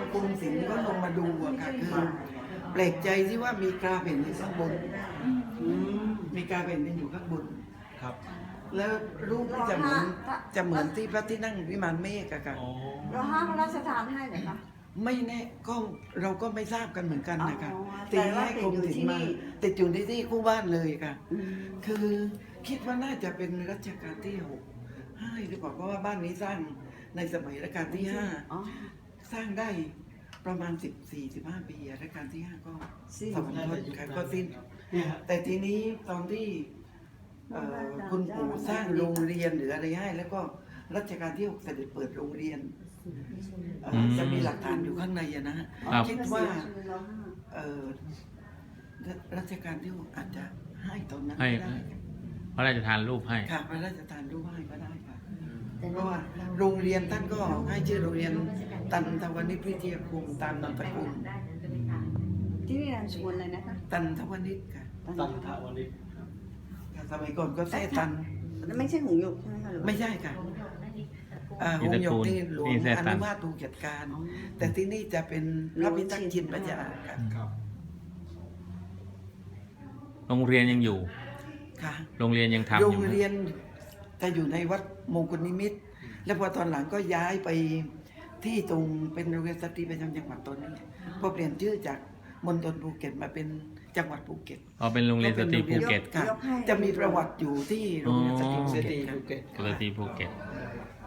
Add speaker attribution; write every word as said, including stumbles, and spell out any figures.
Speaker 1: กรมศิลป์ก็ลงมาดูอะค่ะคือแปลกใจที่ว่ามีกราแผ่นดินข้างบนมีกราแผ่นดินอยู่ข้างบน
Speaker 2: ครับ
Speaker 1: แล้วรูปก็จะเหมือนจะเหมือนที่พระที่นั่งวิมานเมฆอะค่ะ
Speaker 3: เราห้ามพระราชทานให้เหรอคะ
Speaker 1: ไม่แน่ก็เราก็ไม่ทราบกันเหมือนกันนะคะ
Speaker 3: อ๋อ
Speaker 1: ตี
Speaker 3: แต่ว่า
Speaker 1: ให้กรมศิลป์มา
Speaker 3: ติดอยู่ที่นี่
Speaker 1: ติดอยู่ที่ที่คู่บ้านเลยค่ะ
Speaker 3: อืม
Speaker 1: คือคิดว่าน่าจะเป็นรัชกาลที่หกให้หรือเปล่าเพราะว่าบ้านนี้สร้างในสมัยรัชกาลที่ห้า
Speaker 3: อ๋อ
Speaker 1: สร้างได้ประมาณสิบสี่สิบห้าปีรัชกาลที่ห้าก็
Speaker 3: สิ้น
Speaker 1: สมทนค่ะก็สิ้น
Speaker 2: เนี่ยฮะ
Speaker 1: แต่ทีนี้ตอนที่เอ่อคุณปู่สร้างโรงเรียนหรืออะไรให้ แล้วก็รัชกาลที่หกเสด็จเปิดโรงเรียนเอ่อ
Speaker 4: อืม
Speaker 1: จะมีหลักฐานอยู่ข้างในอะนะฮะ
Speaker 4: ครับ
Speaker 1: คิดว่า
Speaker 3: เราห้าม
Speaker 1: เอ่อรัรัชกาลที่หกอาจจะให้ตอนนั้น
Speaker 4: ให้
Speaker 1: ก็ได้
Speaker 4: พระราชทานรูปให้
Speaker 1: ค่ะพระราชทานรูปให้ก็ได้ค่ะเพราะว่าโรงเรียนท่านก็ให้ชื่อโรงเรียนตันทวนิชวิทยาคมตามนามสกุล
Speaker 3: ที่นี่นามสกุลอะไรนะคะ
Speaker 1: ตันทวนิชค่ะ
Speaker 2: ตันทวันนี้
Speaker 1: ค่ะสมัยก่อนก็แท้ตัน
Speaker 3: ไม่ใช่หงส์หยกใช่ไหมคะหรือว่า
Speaker 1: ไม่ใช่ค่ะอ่าหงส์หยกที่หลวง
Speaker 4: นี่แท้
Speaker 1: อ
Speaker 4: ตัน
Speaker 1: นุมาถูกจัดการ
Speaker 3: อ๋อ
Speaker 1: แต่ที่นี่จะเป็นพระพิทักษ์ชินปัญญาค่ะ
Speaker 2: ครับ
Speaker 4: โรงเรียนยังอยู่
Speaker 1: ค่ะ
Speaker 4: โรงเรียนยังทำอ
Speaker 1: โร
Speaker 4: ยู่
Speaker 1: ง
Speaker 4: ไหม
Speaker 1: เรียนจะอยู่ในวัดมงคลนิมิตรแล้วพอตอนหลังก็ย้ายไปที่ตรงเป็นโรงเรียนสตรีประจำจังหวัดตอนนี้พอเปลี่ยนชื่อจากมณฑลภูเก็ตมาเป็นจังหวัดภูเก็ต
Speaker 4: อ๋อเป็นโรงเรียนสตรีภูเก็ต
Speaker 1: ค่ะ จะมีประวัติอยู่ที่โรงเรียนสตรีภู
Speaker 2: เซ
Speaker 1: เก็
Speaker 2: ตี
Speaker 1: ตค่ะ
Speaker 2: ภูเก็ต
Speaker 4: สตรีภูเก็ต